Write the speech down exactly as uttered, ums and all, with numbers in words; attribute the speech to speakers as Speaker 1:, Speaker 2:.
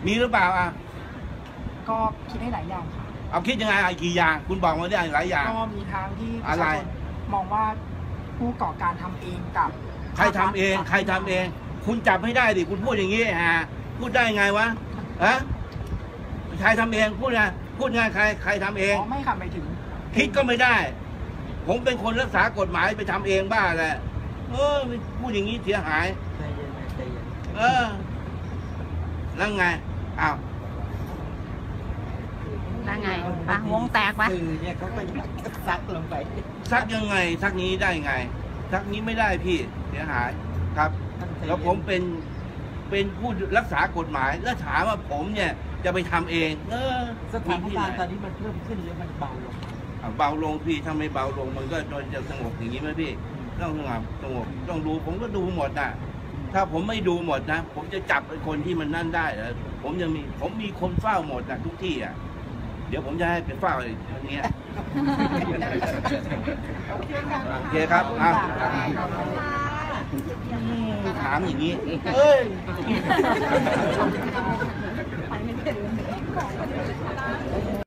Speaker 1: มีหรือเปล่าอ่ะ
Speaker 2: ก็คิดได้หลายอย่างค่ะ
Speaker 1: เอาคิดยังไงอะไรกี่อย่างคุณบอกมาได้หลายอย่าง
Speaker 2: ก็มีทางที่ประชาชนมองว่าผู้ก่อการทำเองกับ
Speaker 1: ใครทำเองใครทำเองคุณจับให้ได้ดิคุณพูดอย่างนี้ฮะพูดได้ไงวะฮะใครทำเองพูดไงพูดไงใครใครทำเอง
Speaker 2: ไม่ค่ะไม่ถึง
Speaker 1: คิดก็ไม่ได้ผมเป็นคนรักษากฎหมายไปทำเองบ้าแหละเออพูดอย่างนี้เสียหายเออแล้วไงอ้าว
Speaker 3: แล้วไงปะวงแตกปะ
Speaker 4: คือเนี่ยเขาไปซักลงไป
Speaker 1: ซักยังไงซักนี้ได้ไงซักนี้ไม่ได้พี่เสียหายครับแล้วผมเป็นเป็นผู้รักษากฎหมายแล้วถามว่าผมเนี่ยจะไปทำเองเออ
Speaker 4: สถานการณ์ตอนนี้มันเพิ่มขึ้นหรือมันเบาลง
Speaker 1: เบาลงพี่ถ้าไม่เบาลงมันก็จะสงบอย่างนี้ไหมพี่ต้องสงบสงบต้องดูผมก็ดูหมดนะถ้าผมไม่ดูหมดนะผมจะจับไอ้คนที่มันนั่นได้แล้วผมยังมีผมมีคนเฝ้าหมดนะทุกที่อ่ะเดี๋ยวผมจะให้ไปเฝ้าไอ้คนนี้โอเคครับอ่ะถามอย่างนี้เอ้ย